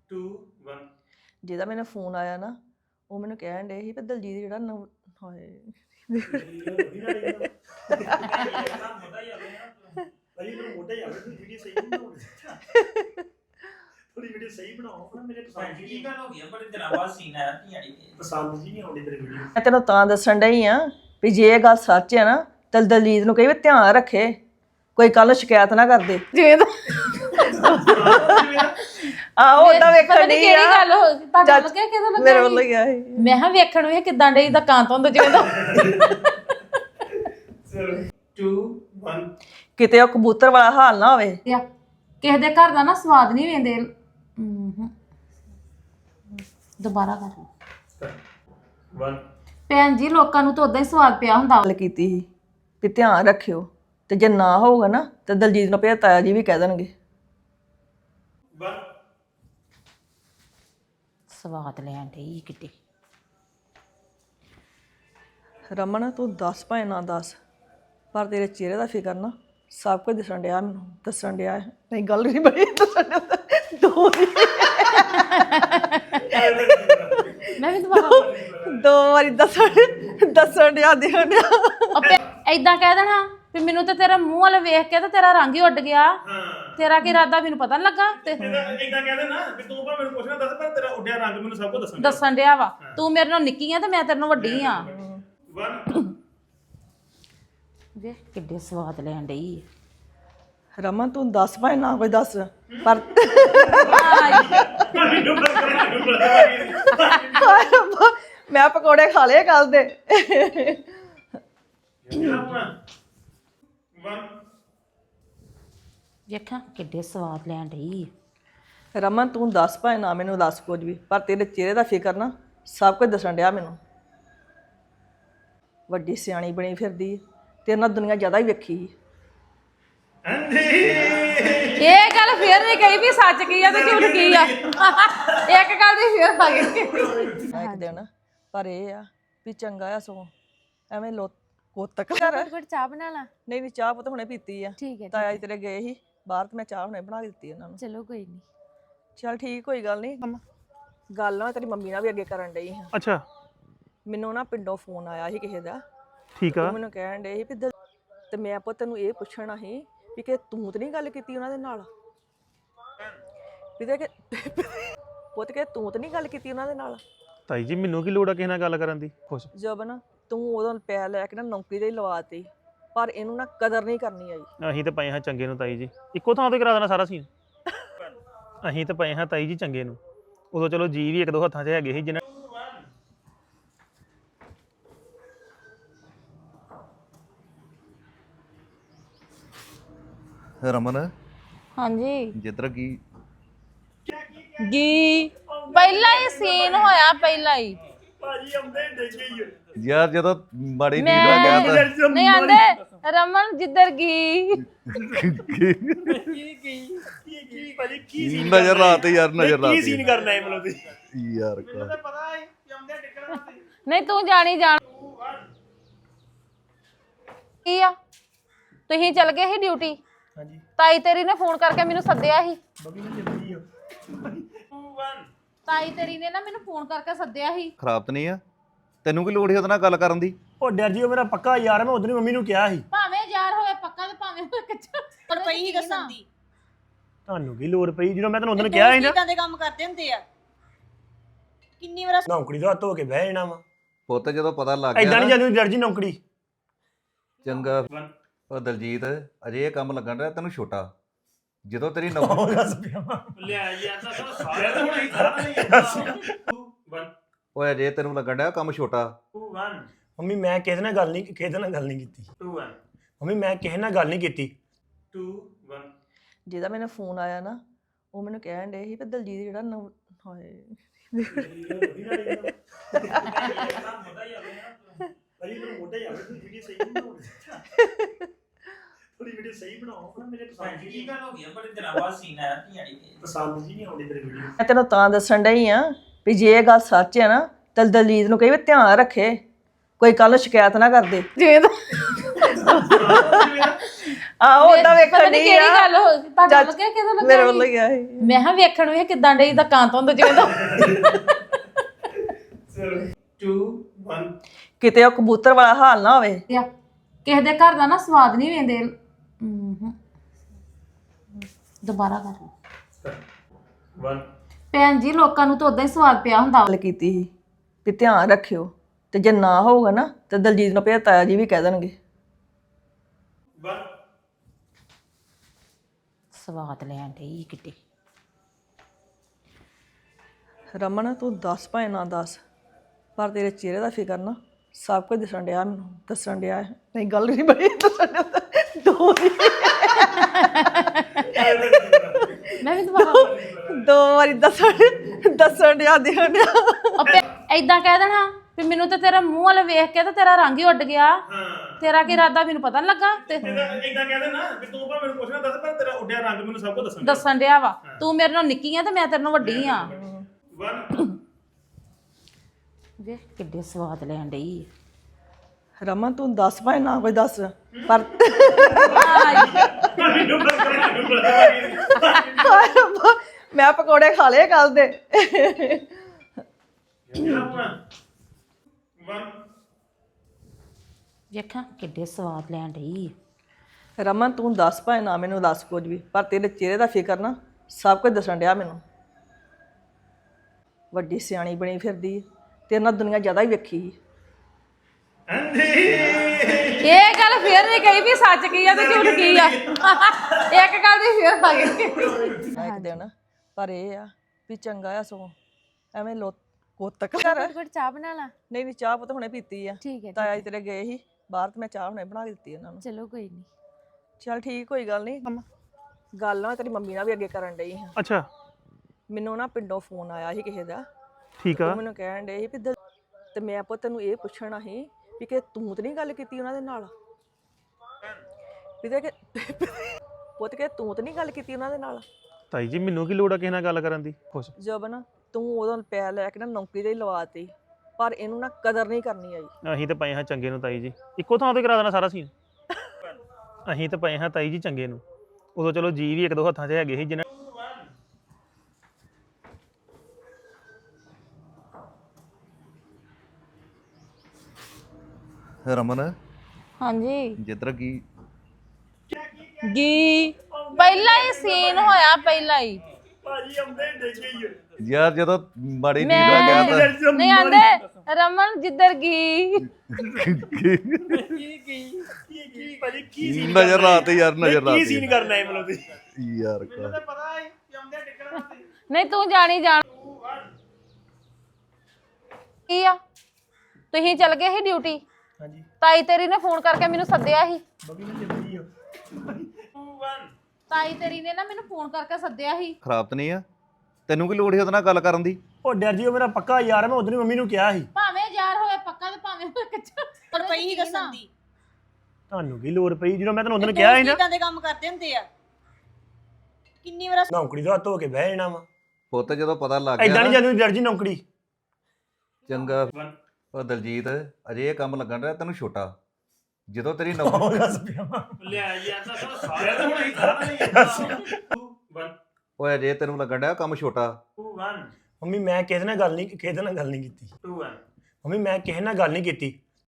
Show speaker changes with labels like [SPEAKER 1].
[SPEAKER 1] 2 1
[SPEAKER 2] ਜਿਹਦਾ ਮੈਨੂੰ ਫੋਨ ਆਇਆ ਨਾ ਉਹ ਮੈਨੂੰ ਕਹਿਣ ਡੇ ਸੀ ਵੀ ਦਲਜੀਤ ਜਿਹੜਾ ਹਾਏ
[SPEAKER 1] ਅਜੀ ਮੈਨੂੰ ਮੋਟਾ ਹੀ ਆਵੇ ਵੀਡੀਓ ਸਹੀ ਨਹੀਂ ਬਣਾਉਂਦੇ ਥੋੜੀ ਵੀਡੀਓ ਸਹੀ ਬਣਾਓ ਨਾ ਮੇਰੇ ਪਸੰਦ
[SPEAKER 3] ਕੀ ਗੱਲ ਹੋ ਗਈ ਬੜੇ ਦਿਨਾਂ ਬਾਅਦ ਸੀਨ ਆਇਆ ਧੀਆੜੀ ਤੇ
[SPEAKER 1] ਪਸੰਦ ਜੀ ਨਹੀਂ ਆਉਂਦੀ ਤੇਰੀ ਵੀਡੀਓ
[SPEAKER 2] ਮੈਂ ਤੈਨੂੰ ਤਾਂ ਦੱਸਣ ਡਈ ਆ ਵੀ ਜੇ ਇਹ ਗੱਲ ਸੱਚ ਹੈ ਨਾ ਤਾਂ ਦਲਜੀਤ ਨੂੰ ਕਹੀ ਵੀ ਧਿਆਨ ਰੱਖੇ ਕੋਈ ਕੱਲ ਸ਼ਿਕਾਇਤ ਨਾ ਕਰਦੇ ਜਿਵੇਂ ਆਹੋ ਉਹਦਾ ਵੇਖਣ ਦੀ
[SPEAKER 4] ਕਿਹੜੀ ਗੱਲ ਹੋ ਤੁਹਾਡਾ ਲੱਗਿਆ ਕਿਹਦਾ ਲੱਗਾ
[SPEAKER 2] ਮੇਰੇ ਵੱਲੋਂ ਹੀ ਆ ਇਹ।
[SPEAKER 4] ਮੈਂ ਹਾਂ ਵੇਖਣ ਵੇ ਕਿਦਾਂ ਡਈ ਦਾ ਕਾਂ ਤੋਂ ਜਿਵੇਂ ਦਾ
[SPEAKER 1] 2 1
[SPEAKER 2] ਕਿਤੇ ਉਹ ਕਬੂਤਰ ਵਾਲਾ ਹਾਲ ਨਾ ਹੋਵੇ
[SPEAKER 4] ਕਿਸੇ ਦੇ ਘਰ ਦਾ ਨਾ ਸਵਾਦ ਨਹੀਂ ਵੇਂਦੇ ਦੁਬਾਰਾ ਕਰ
[SPEAKER 1] 1
[SPEAKER 4] ਭੈਣ ਜੀ ਲੋਕਾਂ ਨੂੰ ਤਾਂ ਉਦਾਂ ਹੀ ਸਵਾਦ ਪਿਆ ਹੁੰਦਾ
[SPEAKER 2] ਗੱਲ ਕੀਤੀ ਸੀ ਵੀ ਧਿਆਨ ਰੱਖਿਓ ਤੇ ਜੇ ਨਾ ਹੋਊਗਾ ਨਾ ਤੇ ਦਲਜੀਤ ਨੂੰ ਪਿਆ ਤਾਇਆ ਜੀ ਵੀ ਕਹਿ ਦੇਣਗੇ
[SPEAKER 1] 1
[SPEAKER 4] ਸਵਾਦ ਲੈਣ ਡਈ ਕਿਤੇ
[SPEAKER 2] ਰਮਨ ਤੂੰ ਦੱਸ ਭਾਵੇਂ ਨਾ ਦੱਸ ਪਰ ਤੇਰੇ ਚਿਹਰੇ ਦਾ ਫਿਕਰ ਨਾ ਸਭ ਕੁਝ ਦੱਸਣ ਡਿਆ ਮੈਨੂੰ ਦੱਸਣ ਡਿਆ ਹੈ। ਨਹੀਂ ਗੱਲ ਨਹੀਂ ਬਣੀ ਦੱਸਣ ਡਿਆ ਦੋ
[SPEAKER 4] ਮੈਂ ਵੀ ਦੁਬਾਰਾ
[SPEAKER 2] ਦੋ ਵਾਰੀ ਦੱਸਣ ਡਿਆ ਦੇਣ ਡਿਆ
[SPEAKER 4] ਐਦਾਂ ਕਹਿ ਦੇਣਾ ਵੀ ਮੈਨੂੰ ਤੇ ਤੇਰਾ ਮੂੰਹ ਵਾਲੇ ਵੇਖ ਕੇ ਤੇ ਤੇਰਾ ਰੰਗ ਹੀ ਉੱਡ ਗਿਆ ਤੇਰਾ ਕੀ ਇਰਾਦਾ ਮੈਨੂੰ ਪਤਾ ਨਹੀਂ ਲੱਗਾ ਤੇ
[SPEAKER 1] ਇਦਾਂ ਕਹਿੰਦੇ ਨਾ ਵੀ ਤੂੰ ਭਾਵੇਂ ਮੈਨੂੰ ਪੁੱਛਣਾ ਦੱਸ ਪਰ ਤੇਰਾ ਉੱਡਿਆ ਰੰਗ ਮੈਨੂੰ ਸਭ ਕੁਝ ਦੱਸਣ
[SPEAKER 4] ਦੱਸਣ ਡਿਆ ਵਾ ਤੂੰ ਮੇਰੇ ਨਾਲ ਨਿੱਕੀ ਆ ਤੇ ਮੈਂ ਤੇਰੇ ਨਾਲ ਵੱਡੀ ਆ
[SPEAKER 1] 1
[SPEAKER 4] ਵੇ ਕਿੱਡੇ ਸਵਾਦ ਲੈਣ ਡਈ
[SPEAKER 2] ਰਮਨ ਤੂੰ ਦੱਸ ਭਾਵੇਂ ਨਾ ਕੋਈ ਦੱਸ ਪਰ ਮੈਂ ਪਕੌੜੇ ਖਾ ਲਏ ਕੱਲ ਦੇ
[SPEAKER 1] 1
[SPEAKER 4] ਵੇਖਾਂ ਕਿੱਡੇ ਸਵਾਦ ਲੈਣ ਡਈ
[SPEAKER 2] ਰਮਨ ਤੂੰ ਦੱਸ ਭਾਵੇਂ ਨਾ ਮੈਨੂੰ ਦੱਸ ਕੁਝ ਵੀ ਪਰ ਤੇਰੇ ਚਿਹਰੇ ਦਾ ਫਿਕਰ ਨਾ ਸਭ ਕੁਝ ਦੱਸਣ ਡਿਆ ਮੈਨੂੰ ਵੱਡੀ ਸਿਆਣੀ ਬਣੀ ਫਿਰਦੀ ਹੈ। ਤੇਰੇ ਨਾਲ ਦੁਨੀਆ ਜ਼ਿਆਦਾ ਹੀ ਵੇਖੀ ਸੀ।
[SPEAKER 4] ਇਹ ਗੱਲ ਫੇਰ ਨਹੀਂ ਕਹੀ ਵੀ ਸੱਚ ਕੀ ਆ ਤੇ ਝੂਠ ਕੀ ਆ ਇੱਕ ਗੱਲ ਦੀ ਫੇਰ ਆ ਗਈ
[SPEAKER 2] ਇੱਕ ਦਿਨ ਪਰ ਇਹ ਆ ਵੀ ਚੰਗਾ ਆ ਸੋ ਐਵੇਂ ਕੋਤਕ ਕਰ
[SPEAKER 5] ਗੁੱਟ ਚਾਹ ਬਣਾ ਲਾ
[SPEAKER 2] ਨਹੀਂ ਨਹੀਂ ਚਾਹ ਪੁੱਤ ਹੁਣੇ ਪੀਤੀ ਆ
[SPEAKER 5] ਠੀਕ ਹੈ
[SPEAKER 2] ਤਾਇਆ ਜੀ ਤੇਰੇ ਗਏ ਸੀ ਬਾਹਰ ਤੇ ਮੈਂ ਚਾਹ ਹੁਣੇ ਬਣਾ ਕੇ ਦਿੱਤੀ ਉਹਨਾਂ ਨੂੰ
[SPEAKER 5] ਚਲੋ ਕੋਈ ਨਹੀਂ
[SPEAKER 2] ਚਲ ਠੀਕ ਕੋਈ ਗੱਲ ਨਹੀਂ ਗੱਲ ਨਾ ਤੇਰੀ ਮੰਮੀ ਨਾਲ ਵੀ ਅੱਗੇ ਕਰਨ ਡਈ ਹਾਂ
[SPEAKER 1] ਅੱਛਾ
[SPEAKER 2] ਮੈਨੂੰ ਨਾ ਪਿੰਡੋਂ ਫੋਨ ਆਇਆ ਸੀ ਕਿਸੇ ਦਾ
[SPEAKER 1] ਠੀਕ
[SPEAKER 2] ਉਹ ਮੈਨੂੰ ਕਹਿਣ ਡੇ ਸੀ ਵੀ ਤੇ ਮੈਂ ਪੁੱਤ ਤੈਨੂੰ ਇਹ ਪੁੱਛਣਾ ਸੀ ਵੀ ਕਿ ਤੂੰ ਤੇ ਨਹੀਂ ਗੱਲ ਕੀਤੀ ਉਹਨਾਂ ਦੇ ਨਾਲ ਵੀ ਤੇ ਕਿ ਪੁੱਤ ਕਿ ਤੂੰ ਤੇ ਨਹੀਂ ਗੱਲ ਕੀਤੀ ਉਹਨਾਂ ਦੇ ਨਾਲ
[SPEAKER 1] ਤਾਈ ਜੀ ਮੈਨੂੰ ਕੀ ਲੋੜ ਆ ਕਿਸੇ ਨਾਲ ਗੱਲ ਕਰਨ ਦੀ ਖੁਸ਼
[SPEAKER 2] ਜਬਨ ਤੂੰ ਉਦੋਂ ਪੈ ਲੈ ਕੇ ਨਾ ਨੌਕਰੀ ਤੇ ਲਵਾਤੀ ਪਰ ਇਹਨੂੰ ਨਾ ਕਦਰ ਨਹੀਂ ਕਰਨੀ ਆਈ
[SPEAKER 1] ਅਸੀਂ ਤੇ ਪਏ ਹਾਂ ਚੰਗੇ ਨੂੰ ਤਾਈ ਜੀ ਇੱਕੋ ਥਾਂ ਤੇ ਕਰਾ ਦੇਣਾ ਸਾਰਾ ਸੀਨ ਅਸੀਂ ਤੇ ਪਏ ਹਾਂ ਤਾਈ ਜੀ ਚੰਗੇ ਨੂੰ ਉਦੋਂ ਚਲੋ ਜੀ ਵੀ ਇੱਕ ਦੋ ਹੱਥਾਂ 'ਚ ਹੈਗੇ ਸੀ ਜਿਹਨਾਂ
[SPEAKER 6] ਰਮਨ
[SPEAKER 4] ਹਾਂਜੀ
[SPEAKER 6] ਜਿੱਧਰ ਕੀ
[SPEAKER 4] ਗੀ ਪਹਿਲਾ ਹੀ ਸੀਨ ਹੋਇਆ ਪਹਿਲਾ ਹੀ
[SPEAKER 1] ਭਾਜੀ ਆਉਂਦੇ ਡੇਗੇ ਹੀ
[SPEAKER 6] ਯਾਰ ਜਦੋਂ ਮਾੜੀ ਨੀਂਦ ਆ ਗਿਆ ਤਾਂ
[SPEAKER 4] ਨਹੀਂ ਆਂਦੇ ਰਮਨ ਜਿੱਧਰ ਗਈ
[SPEAKER 1] ਕੀ ਭਾਜੀ ਕੀ ਸੀਨ
[SPEAKER 6] ਨਜ਼ਰ ਰਾਤ ਯਾਰ ਨਜ਼ਰ ਰਾਤ
[SPEAKER 1] ਕੀ ਸੀਨ ਕਰਨਾ ਹੈ ਮਤਲਬ ਤੁਸੀਂ
[SPEAKER 6] ਯਾਰ
[SPEAKER 1] ਪਤਾ ਹੈ ਕਿ ਆਉਂਦੇ ਡਿੱਗਣਾ
[SPEAKER 4] ਨਹੀਂ ਤੂੰ ਜਾਣੀ ਜਾਣ ਕੀ ਆ ਤੁਸੀਂ ਚਲ ਗਏ ਸੀ ਡਿਊਟੀ
[SPEAKER 1] ਹਾਂਜੀ
[SPEAKER 4] ਤਾਈ ਤੇਰੀ ਨੇ ਫੋਨ ਕਰਕੇ ਮੈਨੂੰ ਸੱਦਿਆ ਸੀ
[SPEAKER 1] ਬਬੀ ਨੇ ਜਿੱਦੀ ਹੋ 2 1
[SPEAKER 4] ਤਾਈ ਤੇਰੀ ਨੇ ਨਾ ਮੈਨੂੰ ਫੋਨ ਕਰਕੇ ਸੱਦਿਆ ਸੀ
[SPEAKER 6] ਖਰਾਬ ਤਾਂ ਨਹੀਂ ਆ ਤੈਨੂੰ ਕੀ ਲੋੜ ਸੀ ਉਹਦੇ ਨਾਲ ਗੱਲ ਕਰਨ ਦੀ
[SPEAKER 1] ਉਹ ਡਰ ਜੀ ਉਹ ਮੇਰਾ ਪੱਕਾ ਯਾਰ ਮੈਂ ਉਦੋਂ ਮੰਮੀ ਨੂੰ ਕਿਹਾ ਸੀ
[SPEAKER 4] ਭਾਵੇਂ ਯਾਰ ਹੋਵੇ ਪੱਕਾ ਤੇ ਭਾਵੇਂ ਹੋਵੇ ਕੱਚਾ
[SPEAKER 5] ਪਰ ਪਈ ਹੀ ਦੱਸਣ ਦੀ
[SPEAKER 1] ਤੁਹਾਨੂੰ ਕੀ ਲੋੜ ਪਈ ਜਦੋਂ ਮੈਂ ਤੈਨੂੰ ਉਦੋਂ ਕਿਹਾ ਸੀ ਨਾ
[SPEAKER 5] ਇਦਾਂ ਦੇ ਕੰਮ ਕਰਦੇ ਹੁੰਦੇ ਆ ਕਿੰਨੀ ਵਾਰ
[SPEAKER 1] ਨੌਕਰੀ ਤੋਂ ਹੱਥ ਹੋ ਕੇ ਬਹਿ ਜਾਣਾ ਵਾ
[SPEAKER 6] ਪੁੱਤ ਜਦੋਂ ਪਤਾ ਲੱਗ
[SPEAKER 1] ਐਦਾਂ
[SPEAKER 6] ਗਿਆ
[SPEAKER 1] ਨਹੀਂ
[SPEAKER 6] ਨਾ,
[SPEAKER 1] ਜਾਂਦੀ ਡਰ ਜੀ ਨੌਕਰੀ
[SPEAKER 6] ਚੰਗਾ ਉਹ ਦਲਜੀਤ ਅਜੇ ਇਹ ਕੰਮ ਲੱਗਣ ਰਿਹਾ ਤੈਨੂੰ ਛੋਟਾ ਜਦੋਂ ਤੇਰੀ ਨੌਕਰੀ
[SPEAKER 1] ਲਿਆ ਯਾਰ ਤਾਂ ਸਾਰਿਆਂ ਨੂੰ ਨਹੀਂ ਸਾਰਾ 2 1
[SPEAKER 6] ਓਏ ਅਜੇ ਤੈਨੂੰ ਲੱਗਣ ਰਿਹਾ ਕੰਮ ਛੋਟਾ
[SPEAKER 1] 2 1 ਮੰਮੀ ਮੈਂ ਕਿਸੇ ਨਾਲ ਗੱਲ ਨਹੀਂ ਕੀਤੀ 2 1 ਮੰਮੀ ਮੈਂ ਕਿਸੇ ਨਾਲ ਗੱਲ ਨਹੀਂ ਕੀਤੀ 2 1
[SPEAKER 2] ਜਿਹਦਾ ਮੈਨੂੰ ਫੋਨ ਆਇਆ ਨਾ ਉਹ ਮੈਨੂੰ ਕਹਿਣ ਡੇ ਸੀ ਵੀ ਦਲਜੀਤ ਜਿਹੜਾ ਹਾਏ
[SPEAKER 1] ਅਜੀ ਮੈਨੂੰ ਮੋਟਾ ਹੀ ਆਵੇ ਤੁਸੀਂ ਵੀਡੀਓ ਸਹੀ ਨਹੀਂ ਬਣਾਉਂਦੇ ਥੋੜੀ ਵੀਡੀਓ ਸਹੀ ਬਣਾਓ ਨਾ ਮੇਰੇ ਪਸੰਦ
[SPEAKER 3] ਕੀ ਗੱਲ ਹੋ ਗਈ ਬੜੇ ਦਿਨਾਂ ਬਾਅਦ ਸੀਨ ਆਇਆ ਧੀਆੜੀ ਤੇ
[SPEAKER 1] ਪਸੰਦ ਜੀ ਨਹੀਂ ਆਉਂਦੀ ਤੇਰੀ ਵੀਡੀਓ
[SPEAKER 2] ਮੈਂ ਤੈਨੂੰ ਤਾਂ ਦੱਸਣ ਡਈ ਆ ਵੀ ਜੇ ਇਹ ਗੱਲ ਸੱਚ ਹੈ ਨਾ ਤਾਂ ਦਲਜੀਤ ਨੂੰ ਕਹੀ ਵੀ ਧਿਆਨ ਰੱਖੇ ਕੋਈ ਕੱਲ ਸ਼ਿਕਾਇਤ ਨਾ ਕਰਦੇ ਜਿਵੇਂ ਆਹੋ ਉਹਦਾ
[SPEAKER 4] ਪਤਾ
[SPEAKER 2] ਵੇਖਣ
[SPEAKER 4] ਨਹੀਂ
[SPEAKER 2] ਨਹੀਂ
[SPEAKER 4] ਕਿਹੜੀ ਗੱਲ ਹੋ ਤੁਹਾਡਾ ਲੱਗਿਆ ਕਿਹਦਾ ਲੱਗਾ
[SPEAKER 2] ਮੇਰੇ ਵੱਲੋਂ ਹੀ ਆ ਇਹ।
[SPEAKER 4] ਮੈਂ ਹਾਂ ਵੇਖਣ ਵੇ ਕਿਦਾਂ ਡਈ ਦਾ ਕਾਂਤ ਹੁੰਦਾ ਜਿਵੇਂ
[SPEAKER 1] 2 1
[SPEAKER 2] ਕਿਤੇ ਉਹ ਕਬੂਤਰ ਵਾਲਾ ਹਾਲ ਨਾ ਹੋਵੇ।
[SPEAKER 4] ਕਿਸੇ ਦੇ ਘਰ ਦਾ ਨਾ ਸਵਾਦ ਨਹੀਂ ਵੇਂਦੇ ਦੁਬਾਰਾ ਕਰ
[SPEAKER 1] 1
[SPEAKER 4] ਭੈਣ ਜੀ ਲੋਕਾਂ ਨੂੰ ਤਾਂ ਉਦਾਂ ਹੀ ਸਵਾਦ ਪਿਆ ਹੁੰਦਾ
[SPEAKER 2] ਗੱਲ ਕੀਤੀ ਸੀ ਵੀ ਧਿਆਨ ਰੱਖਿਓ ਤੇ ਜੇ ਨਾ ਹੋਊਗਾ ਨਾ ਤੇ ਦਲਜੀਤ ਨੂੰ ਪਿਆ ਤਾਇਆ ਜੀ ਵੀ ਕਹਿ ਦੇਣਗੇ।
[SPEAKER 1] 1
[SPEAKER 4] ਸਵਾਦ ਲੈਣ ਡਈ ਕਿਤੇ
[SPEAKER 2] ਰਮਨ ਤੂੰ ਦੱਸ ਭਾਵੇਂ ਨਾ ਦੱਸ ਪਰ ਤੇਰੇ ਚਿਹਰੇ ਦਾ ਫਿਕਰ ਨਾ ਸਭ ਕੁਝ ਦੱਸਣ ਡਿਆ ਮੈਨੂੰ ਦੱਸਣ ਡਿਆ ਹੈ। ਨਹੀਂ ਗੱਲ ਨਹੀਂ ਬਣੀ ਦੱਸਣ ਡਿਆ ਦੋ
[SPEAKER 4] ਮੈਂ ਵੀ ਦੁਬਾਰਾ
[SPEAKER 2] ਦੋ ਵਾਰੀ ਦੱਸਣ ਡਿਆ ਦੇਣ ਡਿਆ।
[SPEAKER 4] ਆਪੇ ਐਦਾਂ ਕਹਿ ਦੇਣਾ ਵੀ ਮੈਨੂੰ ਤਾਂ ਤੇਰਾ ਮੂੰਹ ਵਾਲ ਵੇਖ ਕੇ ਤਾਂ ਤੇਰਾ ਰੰਗ ਹੀ ਉੱਡ ਗਿਆ ਤੇਰਾ ਕੀ ਇਰਾਦਾ ਮੈਨੂੰ ਪਤਾ ਨਹੀਂ ਲੱਗਾ ਤੇ
[SPEAKER 1] ਇਦਾਂ ਕਹਿੰਦੇ ਨਾ ਕਿ ਤੂੰ ਭਾਵੇਂ ਮੈਨੂੰ ਕੁਛ ਨਾ ਦੱਸ ਪਰ ਤੇਰਾ ਉੱਡਿਆ ਰੰਗ ਮੈਨੂੰ ਸਭ ਕੁਝ ਦੱਸਣ
[SPEAKER 4] ਦੱਸਣ ਡਿਆ ਵਾ ਤੂੰ ਮੇਰੇ ਨਾਲ ਨਿੱਕੀ ਆ ਤੇ ਮੈਂ ਤੇਰੇ ਨਾਲ ਵੱਡੀ ਆ
[SPEAKER 1] 1
[SPEAKER 4] ਵੇਖ ਕਿੱਡੇ ਸਵਾਦ ਲੈਣ ਡਈ
[SPEAKER 2] ਰਮਨ ਤੂੰ ਦੱਸ ਭਾਵੇਂ ਨਾ ਕੋਈ ਦੱਸ ਪਰ ਮੈਂ ਪਕੌੜੇ ਖਾ ਲਏ ਕੱਲ ਦੇ।
[SPEAKER 1] 1
[SPEAKER 4] ਵੇਖਾਂ ਕਿੱਡੇ ਸਵਾਦ ਲੈਣ ਡਈ
[SPEAKER 2] ਰਮਨ ਤੂੰ ਦੱਸ ਭਾਵੇਂ ਨਾ ਮੈਨੂੰ ਦੱਸ ਕੁਝ ਵੀ ਪਰ ਤੇਰੇ ਚਿਹਰੇ ਦਾ ਫਿਕਰ ਨਾ ਸਭ ਕੁਝ ਦੱਸਣ ਡਿਆ ਮੈਨੂੰ। ਵੱਡੀ ਸਿਆਣੀ ਬਣੀ ਫਿਰਦੀ ਹੈ। ਤੇਰੇ ਨਾਲ ਦੁਨੀਆ ਜ਼ਿਆਦਾ ਹੀ ਵੇਖੀ ਸੀ।
[SPEAKER 4] ਇਹ ਗੱਲ ਫੇਰ ਨਹੀਂ ਕਹੀ ਵੀ ਸੱਚ ਕੀ ਆ ਤੇ ਝੂਠ ਕੀ ਆ ਇੱਕ ਗੱਲ ਦੀ ਫੇਰ ਆ ਗਈ
[SPEAKER 2] ਇੱਕ ਦਿਨ ਪਰ ਇਹ ਆ ਵੀ ਚੰਗਾ ਆ ਸੋ ਐਵੇਂ ਕੋਤਕ ਕਰ
[SPEAKER 7] ਗੁੱਟ ਚਾਹ ਬਣਾ ਲਾ
[SPEAKER 2] ਨਹੀਂ ਨਹੀਂ ਚਾਹ ਪੁੱਤ ਹੁਣੇ ਪੀਤੀ ਆ
[SPEAKER 7] ਠੀਕ ਹੈ
[SPEAKER 2] ਤਾਇਆ ਜੀ ਤੇਰੇ ਗਏ ਸੀ ਬਾਹਰ ਤੇ ਮੈਂ ਚਾਹ ਹੁਣੇ ਬਣਾ ਕੇ ਦਿੱਤੀ ਉਹਨਾਂ ਨੂੰ।
[SPEAKER 7] ਚਲੋ ਕੋਈ ਨਹੀਂ
[SPEAKER 2] ਚੱਲ ਠੀਕ ਕੋਈ ਗੱਲ ਨਹੀਂ ਗੱਲ ਨਾ ਤੇਰੀ ਮੰਮੀ ਨਾਲ ਵੀ ਅੱਗੇ ਕਰਨ ਡਈ ਹਾਂ।
[SPEAKER 1] ਅੱਛਾ
[SPEAKER 2] ਮੈਨੂੰ ਨਾ ਪਿੰਡੋਂ ਫੋਨ ਆਇਆ ਸੀ ਕਿਸੇ ਦਾ
[SPEAKER 1] ਠੀਕ ਆ
[SPEAKER 2] ਉਹ ਮੈਨੂੰ ਕਹਿਣ ਡੇ ਸੀ ਵੀ ਤੇ ਮੈਂ ਪੁੱਤ ਤੈਨੂੰ ਇਹ ਪੁੱਛਣਾ ਸੀ ਵੀ ਕਿ ਤੂੰ ਤੇ ਨਹੀਂ ਗੱਲ ਕੀਤੀ ਉਹਨਾਂ ਦੇ ਨਾਲ ਵੀ ਕਿ ਪੁੱਤ ਕਿ ਤੂੰ ਤੇ ਨਹੀਂ ਗੱਲ ਕੀਤੀ ਉਹਨਾਂ ਦੇ ਨਾਲ।
[SPEAKER 1] ਤਾਈ ਜੀ ਮੈਨੂੰ ਕੀ ਲੋੜ ਆ ਕਿਸੇ ਨਾਲ ਗੱਲ ਕਰਨ ਦੀ ਖੁਸ਼
[SPEAKER 2] ਜਬਨ ਤੂੰ ਉਦੋਂ ਪੈ ਲੈ ਕੇ ਨਾ ਨੌਕਰੀ ਤੇ ਹੀ ਲਵਾਤੀ ਪਰ ਇਹਨੂੰ ਨਾ ਕਦਰ ਨਹੀਂ ਕਰਨੀ ਆਈ।
[SPEAKER 1] ਅਸੀਂ ਤੇ ਪਏ ਹਾਂ ਚੰਗੇ ਨੂੰ ਤਾਈ ਜੀ ਇੱਕੋ ਥਾਂ ਤੇ ਕਰਾ ਦੇਣਾ ਸਾਰਾ ਸੀਨ ਅਸੀਂ ਤੇ ਪਏ ਹਾਂ ਤਾਈ ਜੀ ਚੰਗੇ ਨੂੰ ਉਦੋਂ ਚਲੋ ਜੀ ਵੀ ਇੱਕ ਦੋ ਹੱਥਾਂ 'ਚ ਹੈਗੇ ਸੀ ਜਿਹਨਾਂ
[SPEAKER 6] ਰਮਨ
[SPEAKER 4] ਹਾਂਜੀ
[SPEAKER 6] ਜਿੱਧਰ ਕੀ
[SPEAKER 4] ਗੀ ਪਹਿਲਾ ਹੀ ਸੀਨ ਹੋਇਆ ਪਹਿਲਾ ਹੀ
[SPEAKER 6] ਯਾਰ ਜਦੋਂ ਮਾੜੀ ਨੀਂਦ ਆ ਗਿਆ ਤਾਂ
[SPEAKER 4] ਨਹੀਂ ਆਂਦੇ ਰਮਨ ਜਿੱਧਰ ਗਈ
[SPEAKER 6] ਨਜ਼ਰ ਰਾਤ ਯਾਰ ਨਜ਼ਰ ਰਾਤ
[SPEAKER 1] ਕੀ ਸੀਨ ਕਰਨਾ ਹੈ ਮਤਲਬ ਤੁਸੀਂ
[SPEAKER 6] ਯਾਰ ਕਾ
[SPEAKER 4] ਨਹੀਂ ਤੂੰ ਜਾਣੀ ਜਾਣ ਕੀ ਆ ਤੁਸੀਂ ਚਲ ਗਏ ਸੀ ਡਿਊਟੀ
[SPEAKER 1] ਹਾਂਜੀ
[SPEAKER 4] ਤਾਈ ਤੇਰੀ ਨੇ ਫੋਨ ਕਰਕੇ ਮੈਨੂੰ ਸੱਦਿਆ ਸੀ ਤਾਈ ਤੇਰੀ ਨੇ ਨਾ ਮੈਨੂੰ ਫੋਨ ਕਰਕੇ ਸੱਦਿਆ ਸੀ
[SPEAKER 6] ਖਰਾਬ ਤਾਂ ਨਹੀਂ ਆ ਤੈਨੂੰ ਕੀ ਲੋੜ ਸੀ ਉਹਦੇ ਨਾਲ ਗੱਲ ਕਰਨ ਦੀ।
[SPEAKER 1] ਉਹ ਡਰ ਜੀ ਉਹ ਮੇਰਾ ਪੱਕਾ ਯਾਰ ਹੈ ਮੈਂ ਉਦੋਂ ਹੀ ਮੰਮੀ ਨੂੰ ਕਿਹਾ ਸੀ
[SPEAKER 4] ਭਾਵੇਂ ਯਾਰ ਹੋਵੇ ਪੱਕਾ ਤੇ ਭਾਵੇਂ ਹੋਵੇ ਕੱਚਾ
[SPEAKER 5] ਪਰ ਪਈ ਹੀ ਦੱਸਣ ਦੀ
[SPEAKER 1] ਤੁਹਾਨੂੰ ਕੀ ਲੋੜ ਪਈ ਜਦੋਂ ਮੈਂ ਤੈਨੂੰ ਉਦੋਂ ਕਿਹਾ ਸੀ ਨਾ
[SPEAKER 5] ਇਦਾਂ ਦੇ ਕੰਮ ਕਰਦੇ ਹੁੰਦੇ ਆ ਕਿੰਨੀ ਵਾਰ
[SPEAKER 1] ਨੌਕਰੀ ਤੋਂ ਹੱਥ ਹੋ ਕੇ ਬਹਿ ਜਾਣਾ ਵਾ
[SPEAKER 6] ਪੁੱਤ ਜਦੋਂ ਪਤਾ ਲੱਗ
[SPEAKER 1] ਐਦਾਂ
[SPEAKER 6] ਗਿਆ
[SPEAKER 1] ਨਹੀਂ
[SPEAKER 6] ਨਾ,
[SPEAKER 1] ਜਾਂਦੀ ਡਰ ਜੀ ਨੌਕਰੀ
[SPEAKER 6] ਚੰਗਾ ਉਹ ਦਲਜੀਤ ਅਜੇ ਇਹ ਕੰਮ ਲੱਗਣ ਰਿਹਾ ਤੈਨੂੰ ਛੋਟਾ ਜਦੋਂ ਤੇਰੀ ਨੌਕਰੀ
[SPEAKER 1] ਲਿਆ ਯਾਰ ਤਾਂ ਸਾਰਿਆਂ ਨੂੰ ਹੁਣ ਹੀ ਖਾਣਾ
[SPEAKER 6] ਓਏ ਅਜੇ ਤੈਨੂੰ ਲੱਗਣ ਰਿਹਾ ਕੰਮ ਛੋਟਾ।
[SPEAKER 1] ਮੰਮੀ ਮੈਂ ਕਿਸੇ ਨਾਲ ਗੱਲ ਨਹੀਂ ਕੀਤੀ 2 1 ਮੰਮੀ ਮੈਂ ਕਿਸੇ ਨਾਲ ਗੱਲ ਨਹੀਂ ਕੀਤੀ